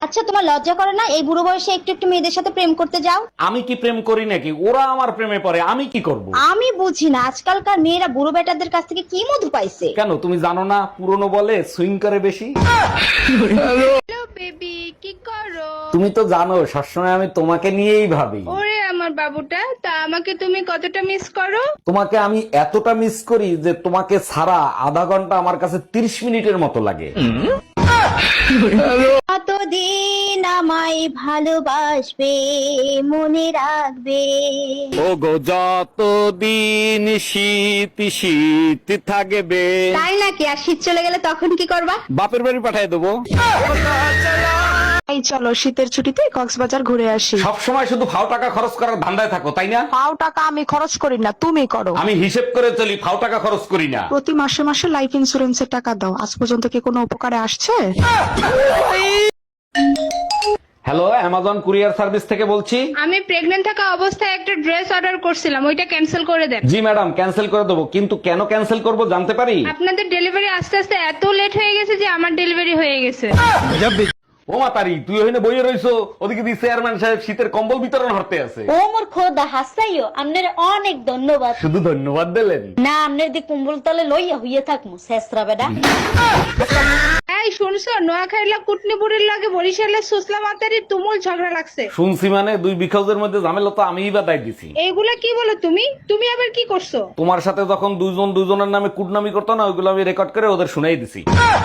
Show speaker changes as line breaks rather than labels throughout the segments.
আচ্ছা, তোমার লজ্জা করে না এই বুড়ো বয়সে একটু একটু মেয়েদের সাথে প্রেম করতে যাও?
আমি কি প্রেম করি নাকি? ওরা আমার প্রেমে পড়ে, আমি কি করব?
আমি বুঝি না আজকালকার মেয়েরা বুড়ো বেটাদের কাছ থেকে কি মধু পাইছে।
কেন তুমি জানো না, পুরনো বলে সুইং করে বেশি।
হ্যালো বেবি, কি করো?
তুমি তো জানো সবসময় আমি তোমাকে নিয়েই ভাবি।
ওরে আমার বাবুটা, তা আমাকে তুমি কতটা মিস করো?
তোমাকে আমি এতটা মিস করি যে তোমাকে ছাড়া আধা ঘন্টা আমার কাছে 30 মিনিটের মতো লাগে।
কতদিন আমায় ভালোবাসবে, মনে রাখবে।
ও গো যতদিন শীত শীত থাকবে,
তাই নাকি? আর শীত চলে গেলে তখন কি করবা?
বাপের বাড়ি পাঠিয়ে দেবো।
এই চলো শীতের ছুটিতে কক্সবাজার ঘুরে আসি।
সব সময় শুধু ফাও টাকা খরচ করার ধান্দায় থাকো, তাই না?
পাও টাকা আমি খরচ করি না, তুমি করো।
আমি হিসেব করে চলি, ফাও টাকা খরচ করি না।
প্রতি মাসে মাসে লাইফ ইন্সুরেন্সের টাকা দাও, আজ পর্যন্ত কি কোনো উপকারে আসছে?
হ্যালো, অ্যামাজন কুরিয়ার সার্ভিস থেকে বলছি।
আমি প্রেগনেন্ট থাকা অবস্থায় একটা ড্রেস অর্ডার করছিলাম, ওইটা ক্যান্সেল করে দেন।
জি ম্যাডাম, ক্যান্সেল করে দেবো, কিন্তু কেন ক্যান্সেল করব জানতে পারি?
আপনাদের ডেলিভারি আস্তে আস্তে এত লেট হয়ে গেছে যে আমার ডেলিভারি হয়ে গেছে।
ও মাতারি, তুই ওখানে বইয়ে রইছো, ওদিকে দি চেয়ারম্যান সাহেব শীতের কম্বল বিতরণ হতে আছে।
ও মোর খোদা হাসাইও, আপনার অনেক ধন্যবাদ।
শুধু ধন্যবাদ দিলেন?
না, আপনার দি কুম্বল তলে লইয়া হইয়া থাকমু শেষরা বেডা।
এই শুনছো, নোয়াখাইলা কুটনি বুড়ির লাগে বরিশালের সুসলা মাতারি তুমুল ঝগড়া লাগছে।
শুনছি মানে, দুই বিখাউজের মধ্যে ঝামেলা তো আমিই বা দায় দিছি।
এইগুলা কি বলো তুমি? তুমি আবার কি করছো?
তোমার সাথে যখন দুজন দুজনের নামে কুটনামি করতো না, ওইগুলো আমি রেকর্ড করে ওদের শুনাই দিছি।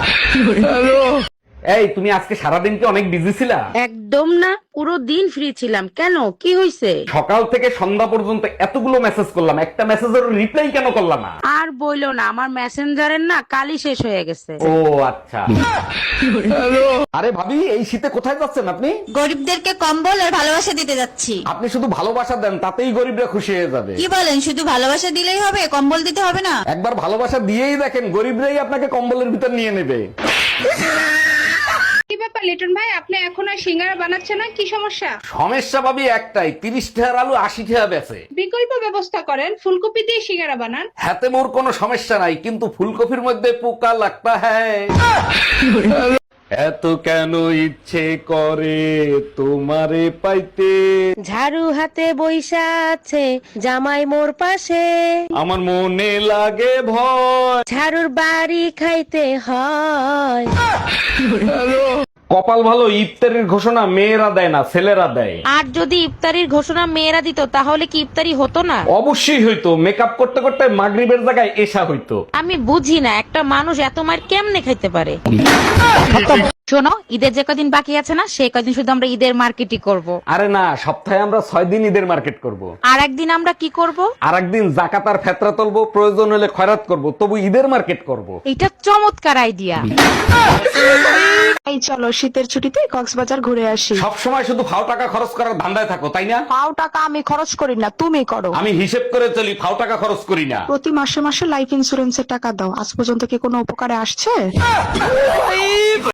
এই তুমি আজকে সারাদিন কি অনেক বিজি ছিলা?
একদম না, পুরো দিন ফ্রি ছিলাম। কেন, কি হয়েছে?
সকাল থেকে সন্ধ্যা পর্যন্ত এতগুলো মেসেজ করলাম, একটা মেসেজের রিপ্লাই কেন করলাম না?
আর বইলো না, আমার মেসেঞ্জারের না কালই শেষ হয়ে গেছে।
ও আচ্ছা। আরে ভাবি, এই শীতে কোথায় যাচ্ছেন আপনি?
গরিবদেরকে কম্বল আর ভালোবাসা দিতে যাচ্ছি।
আপনি শুধু ভালোবাসা দেন, তাতেই গরিবরা খুশি হয়ে যাবে।
কি বলেন, শুধু ভালোবাসা দিলেই হবে, কম্বল দিতে হবে না?
একবার ভালোবাসা দিয়েই দেখেন, গরিবরাই আপনাকে কম্বলের ভিতর নিয়ে নেবে।
কি ব্যাপার লিটন ভাই, আপনি এখন আর সিঙ্গারা বানাচ্ছেন না, কি সমস্যা?
সমস্যা ভাবি একটাই, 30 টাকার আলু 80 টাকা বেচে।
বিকল্প ব্যবস্থা করেন, ফুলকপি দিয়ে সিঙ্গারা বানান।
হাতে মোর কোনো সমস্যা নাই, কিন্তু ফুলকপির মধ্যে পোকা লাগতা হ্যায়। এত কেন ইচ্ছে করে তোমারে পাইতে,
ঝাড়ু হাতে বইসা আছে জামাই মোর পাশে,
আমার মনে লাগে ভয়।
ঝাড়ুর বাড়ি খাইতে হয়।
কপাল ভালো, ইফতারির ঘোষণা মেয়েরা দেয় না, ছেলেরা দেয়।
আর যদি ইফতারির ঘোষণা মেয়েরা দিত তাহলে কি ইফতারি হতো না?
অবশ্যই হইতো, মেকআপ করতে করতে মাগরিবের জায়গায় এশা হইতো।
আমি বুঝি না, একটা মানুষ এত মার কেমনে খাইতে পারে। শোনো, ঈদের যে কদিন বাকি আছে না, সেই কদিন শুধু আমরা ঈদের মার্কেটই করব।
আরে না, সপ্তাহে আমরা 6 দিন ঈদের মার্কেট করব।
আর একদিন আমরা কি করব?
আর একদিন জাকাত আর ফেতরা তুলবো, প্রয়োজন হলে খয়রাত করব, তবু ঈদের মার্কেট করব।
এটা চমৎকার আইডিয়া।
এই চলো শীতের ছুটিতে কক্সবাজার ঘুরে আসি।
সব সময় শুধু ফাও টাকা খরচ করার ধান্দায় থাকো, তাই না?
পাও টাকা আমি খরচ করি না, তুমি করো।
আমি হিসেব করে চলি, ফাও টাকা খরচ করি না।
প্রতি মাসে মাসে লাইফ ইন্সুরেন্সের টাকা দাও, আজ পর্যন্ত কি কোনো উপকারে আসছে?